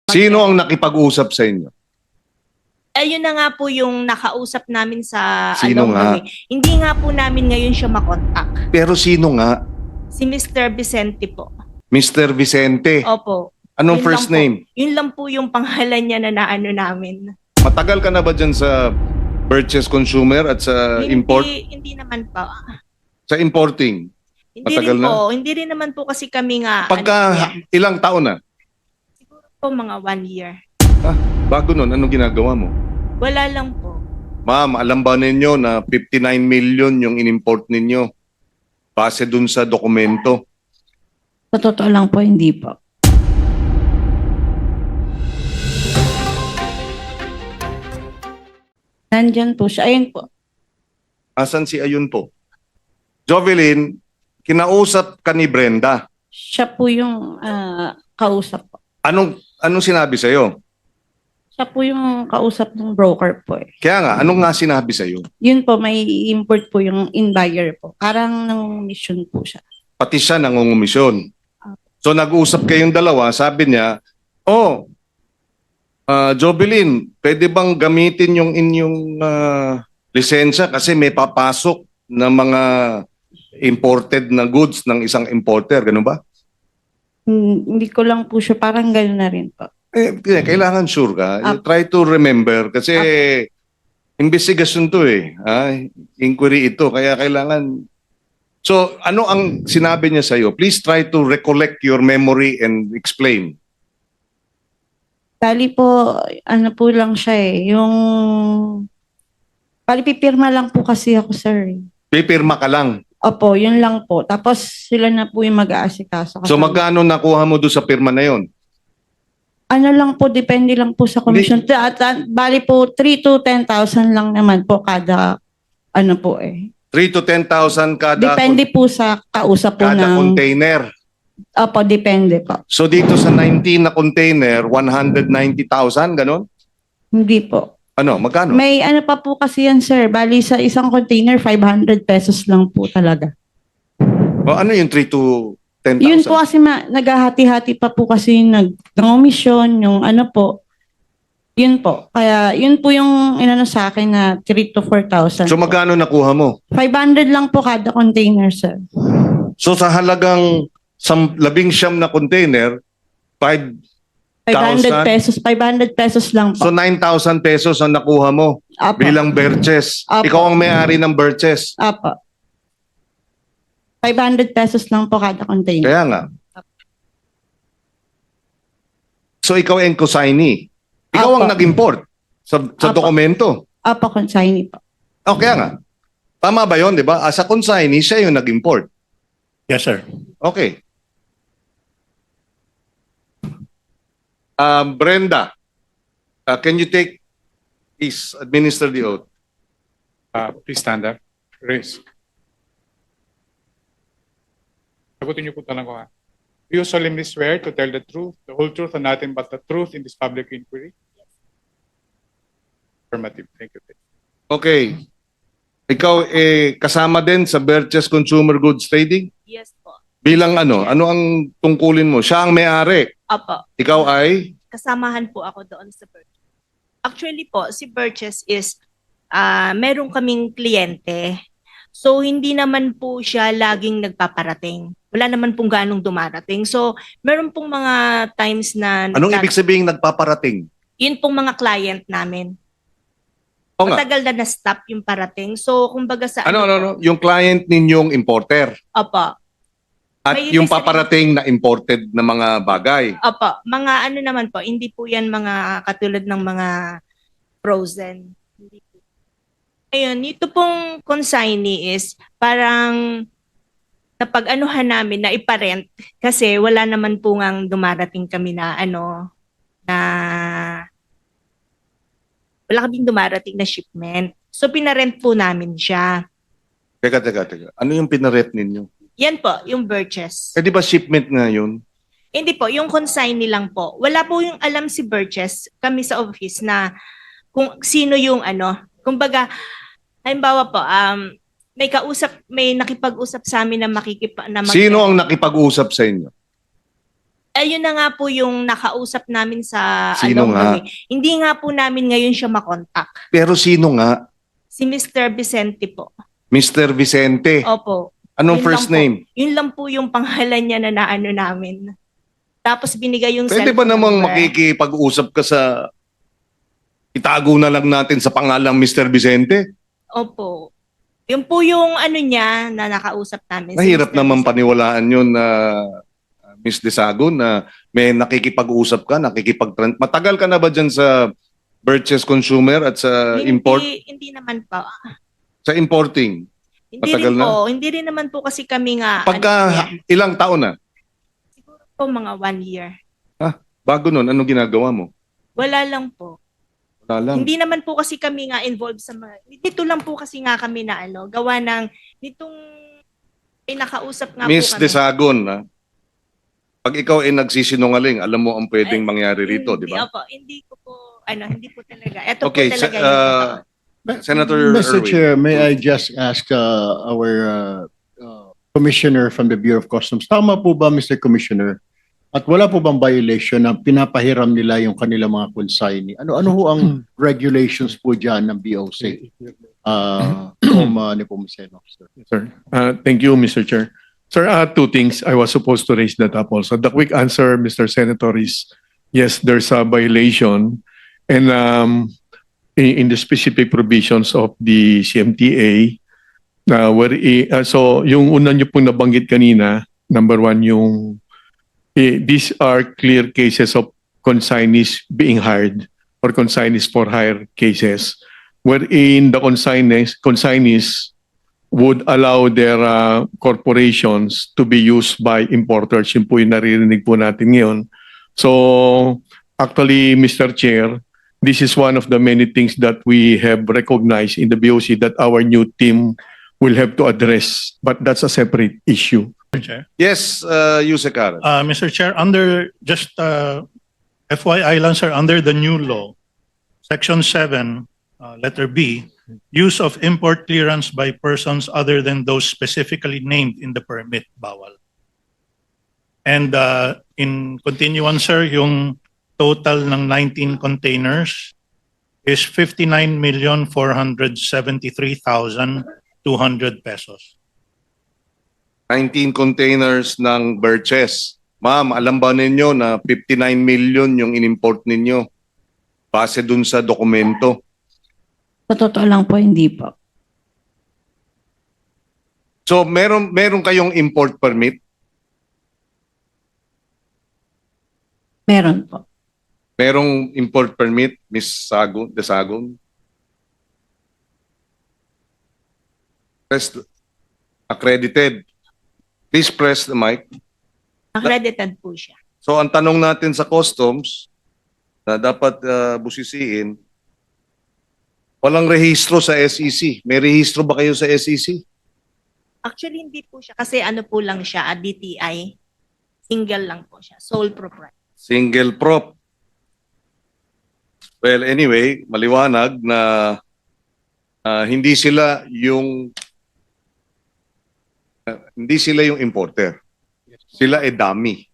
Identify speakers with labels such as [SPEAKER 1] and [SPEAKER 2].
[SPEAKER 1] Sino ang nakipag-usap sa inyo?
[SPEAKER 2] Ayun na nga po yung nakausap namin sa
[SPEAKER 1] Sino
[SPEAKER 2] along the
[SPEAKER 1] nga?
[SPEAKER 2] way. Hindi nga po namin ngayon siya makontak.
[SPEAKER 1] Pero sino nga?
[SPEAKER 2] Si Mr. Vicente po.
[SPEAKER 1] Mr. Vicente.
[SPEAKER 2] Opo.
[SPEAKER 1] Anong
[SPEAKER 2] Yun
[SPEAKER 1] first
[SPEAKER 2] lang po.
[SPEAKER 1] name?
[SPEAKER 2] Yun lang po yung pangalan niya na naano namin.
[SPEAKER 1] Matagal ka na ba dyan sa purchase consumer at sa import?
[SPEAKER 2] Hindi naman po.
[SPEAKER 1] Sa importing?
[SPEAKER 2] Hindi
[SPEAKER 1] Matagal
[SPEAKER 2] rin
[SPEAKER 1] na?
[SPEAKER 2] po. Hindi rin naman po kasi kami nga.
[SPEAKER 1] Pagka ilang taon na?
[SPEAKER 2] Siguro po mga 1 year.
[SPEAKER 1] Bago nun, anong ginagawa mo?
[SPEAKER 2] Wala lang po.
[SPEAKER 1] Ma'am, alam ba ninyo na 59 million yung inimport ninyo? Base dun sa dokumento.
[SPEAKER 3] Sa totoo lang po, hindi po. Nandyan po siya. Ayun po.
[SPEAKER 1] Asan si Ayun po? Jovelyn, kinausap ka ni Brenda.
[SPEAKER 3] Siya po yung kausap po.
[SPEAKER 1] Anong sinabi sa'yo?
[SPEAKER 3] Siya po yung kausap ng broker po eh.
[SPEAKER 1] Kaya nga, anong nga sinabi sa'yo?
[SPEAKER 3] Yun po, may import po yung in-buyer po. Parang nang mission po siya.
[SPEAKER 1] Pati siya nangungumisyon. So nag-usap kayong dalawa, sabi niya, Jovelyn, pwede bang gamitin yung inyong lisensya kasi may papasok na mga imported na goods ng isang importer, ganun ba?
[SPEAKER 3] Hindi ko lang po siya, parang gano'n na rin po.
[SPEAKER 1] Kailangan sure ka. You try to remember kasi investigation to eh. Inquiry ito. Kaya kailangan... So, ano ang sinabi niya sa'yo? Please try to recollect your memory and explain.
[SPEAKER 3] Bali po, ano po lang siya eh. Yung... Bali, pipirma lang po kasi ako, sir.
[SPEAKER 1] Pipirma ka lang.
[SPEAKER 3] Opo, yun lang po. Tapos sila na po yung mag-aasikaso.
[SPEAKER 1] So, magkano nakuha mo doon sa pirma na yon?
[SPEAKER 3] Ano lang po, depende lang po sa commission. Bali po, 3 to 10,000 lang naman po kada, ano po eh.
[SPEAKER 1] 3 to 10,000 kada,
[SPEAKER 3] Depende po sa kausap po
[SPEAKER 1] kada
[SPEAKER 3] ng...
[SPEAKER 1] container.
[SPEAKER 3] Opo, depende po.
[SPEAKER 1] So, dito sa 19 na container, 190,000, ganon?
[SPEAKER 3] Hindi po.
[SPEAKER 1] Ano, magkano?
[SPEAKER 3] May ano pa po kasi yan, sir. Bali sa isang container, 500 pesos lang po talaga.
[SPEAKER 1] O, ano yung 3 to 10,000?
[SPEAKER 3] Yun po kasi naghahati-hati pa po kasi nag-omission, yung ano po. Yun po. Kaya yun po yung inano sa akin na 3 to 4,000.
[SPEAKER 1] So, magkano nakuha mo?
[SPEAKER 3] 500 lang po kada container, sir.
[SPEAKER 1] So, sa halagang 19 na container,
[SPEAKER 3] 500 pesos. 500 pesos lang po.
[SPEAKER 1] So 9,000 pesos ang nakuha mo
[SPEAKER 3] Apo.
[SPEAKER 1] bilang Birches.
[SPEAKER 3] Apo.
[SPEAKER 1] Ikaw ang may-ari ng Birches.
[SPEAKER 3] Apo. 500 pesos lang po kada container.
[SPEAKER 1] Kaya nga. So ikaw ang consignee. Ikaw
[SPEAKER 3] Apo.
[SPEAKER 1] ang nag-import sa
[SPEAKER 3] Apo.
[SPEAKER 1] dokumento.
[SPEAKER 3] Apo, consignee po.
[SPEAKER 1] O kaya nga. Tama ba yun, di ba? As a consignee, siya yung nag-import.
[SPEAKER 4] Yes, sir.
[SPEAKER 1] Okay. Brenda, can you please administer the oath?
[SPEAKER 4] Please stand up. Raise. Sagutin niyo po tanong ko ha. Do you solemnly swear to tell the truth, the whole truth, and nothing but the truth in this public inquiry? Affirmative. Thank you.
[SPEAKER 1] Okay. Ikaw kasama din sa Birches Consumer Goods Trading?
[SPEAKER 2] Yes po.
[SPEAKER 1] Bilang ano? Ano ang tungkulin mo? Siya ang may-ari.
[SPEAKER 2] Opo.
[SPEAKER 1] Ikaw ay?
[SPEAKER 2] Kasamahan po ako doon sa Birches. Actually po, si Birches is meron kaming kliyente. So, hindi naman po siya laging nagpaparating. Wala naman pong ganong dumarating. So, meron pong mga times na...
[SPEAKER 1] Anong ibig sabihin nagpaparating?
[SPEAKER 2] Yun pong mga client namin.
[SPEAKER 1] O nga.
[SPEAKER 2] Matagal na na-stop yung parating. So, kumbaga sa...
[SPEAKER 1] Ano?
[SPEAKER 2] po,
[SPEAKER 1] Yung client ninyong importer.
[SPEAKER 2] Opo.
[SPEAKER 1] At
[SPEAKER 2] May
[SPEAKER 1] yung
[SPEAKER 2] ibig sabihin-
[SPEAKER 1] paparating na imported na mga bagay.
[SPEAKER 2] Opo. Mga ano naman po, hindi po yan mga katulad ng mga frozen. Hindi po. Ayun, ito pong consignee is parang napag-anuhan namin na iparent kasi wala naman po ngang dumarating kami na wala kaming dumarating na shipment. So pinarent po namin siya.
[SPEAKER 1] Teka. Ano yung pinarep ninyo?
[SPEAKER 2] Yan po, yung Birches.
[SPEAKER 1] Eh di ba shipment nga yun?
[SPEAKER 2] Hindi po, yung consignee lang po. Wala po yung alam si Birches, kami sa office na kung sino yung kumbaga, halimbawa po, may nakipag-usap sa amin na
[SPEAKER 1] Sino ang nakipag-usap sa inyo?
[SPEAKER 2] ayun na nga po yung nakausap namin sa
[SPEAKER 1] Sino
[SPEAKER 2] along the
[SPEAKER 1] nga?
[SPEAKER 2] way. Hindi nga po namin ngayon siya makontak.
[SPEAKER 1] Pero sino nga?
[SPEAKER 2] Si Mr. Vicente po.
[SPEAKER 1] Mr. Vicente.
[SPEAKER 2] Opo.
[SPEAKER 1] Anong
[SPEAKER 2] Yun
[SPEAKER 1] first
[SPEAKER 2] lang po.
[SPEAKER 1] name?
[SPEAKER 2] Yun lang po yung pangalan niya na naano namin. Tapos binigay yung
[SPEAKER 1] Pwede ba
[SPEAKER 2] cellphone
[SPEAKER 1] namang
[SPEAKER 2] number.
[SPEAKER 1] makikipag-usap ka sa... Itago na lang natin sa pangalang Mr. Vicente?
[SPEAKER 2] Opo. Yun po yung ano niya na nakausap namin. si
[SPEAKER 1] Mahirap
[SPEAKER 2] Mr.
[SPEAKER 1] naman
[SPEAKER 2] Vicente.
[SPEAKER 1] paniwalaan yun na Miss Desagon na may nakikipag-usap ka, Matagal ka na ba dyan sa purchase consumer at sa import?
[SPEAKER 2] Hindi naman po.
[SPEAKER 1] Sa importing?
[SPEAKER 2] Hindi
[SPEAKER 1] Matagal
[SPEAKER 2] rin
[SPEAKER 1] na?
[SPEAKER 2] po. Hindi rin naman po kasi kami nga.
[SPEAKER 1] Pagka
[SPEAKER 2] ano niya,
[SPEAKER 1] ilang taon na?
[SPEAKER 2] siguro po mga 1 year.
[SPEAKER 1] Bago nun, anong ginagawa mo?
[SPEAKER 2] Wala lang po.
[SPEAKER 1] Wala lang.
[SPEAKER 2] Hindi naman po kasi kami nga involved sa mga... Dito lang po kasi nga kami na ano, gawa ng nitong nakausap nga
[SPEAKER 1] Miss
[SPEAKER 2] po kami.
[SPEAKER 1] Desagon, pag ikaw ay nagsisinungaling, alam mo ang pwedeng
[SPEAKER 2] Ay,
[SPEAKER 1] mangyari rito, di ba?
[SPEAKER 2] Opo, hindi ko po, hindi po talaga. Ito
[SPEAKER 1] Okay,
[SPEAKER 2] po talaga
[SPEAKER 1] sa-
[SPEAKER 2] yung totoo.
[SPEAKER 1] Senator
[SPEAKER 5] Mr.
[SPEAKER 1] Erwin.
[SPEAKER 5] Chair, may I just ask our Commissioner from the Bureau of Customs, tama po ba, Mr. Commissioner? At wala po bang violation na pinapahiram nila yung kanilang mga consignee? Ano ho ang regulations po dyan ng BOC? Nepomuceno, sir.
[SPEAKER 6] Sir. Thank you, Mr. Chair. Sir, two things. I was supposed to raise that up also. The quick answer, Mr. Senator, is yes, there's a violation. And in the specific provisions of the CMTA, so yung una niyo pong nabanggit kanina, number one, these are clear cases of consignees being hired or consignees for hire cases, wherein the consignees would allow their corporations to be used by importers. Yun po yung naririnig po natin ngayon. So, actually, Mr. Chair, this is one of the many things that we have recognized in the BOC that our new team will have to address. But that's a separate issue.
[SPEAKER 7] Mr. Chair.
[SPEAKER 1] Yes, Yusek Karen.
[SPEAKER 7] Mr. Chair, under just FYI lang sir, under the new law, Section 7, letter B, use of import clearance by persons other than those specifically named in the permit, bawal. And in continuance sir, yung total ng 19 containers is 59,473,200 pesos.
[SPEAKER 1] 19 containers ng Birches. Ma'am, alam ba ninyo na 59 million yung inimport ninyo? Base dun sa dokumento.
[SPEAKER 3] Sa totoo lang po, hindi po.
[SPEAKER 1] So, meron kayong import permit?
[SPEAKER 3] Meron po.
[SPEAKER 1] Merong import permit, Miss Desagon? Accredited. Please press the mic.
[SPEAKER 2] Accredited po siya.
[SPEAKER 1] So, ang tanong natin sa customs na dapat busisiin, walang rehistro sa SEC. May rehistro ba kayo sa SEC?
[SPEAKER 2] Actually, hindi po siya. Kasi ano po lang siya, DTI. Single lang po siya. Sole proprietor.
[SPEAKER 1] Single prop. Well, anyway, maliwanag na hindi sila yung importer. Sila dummy.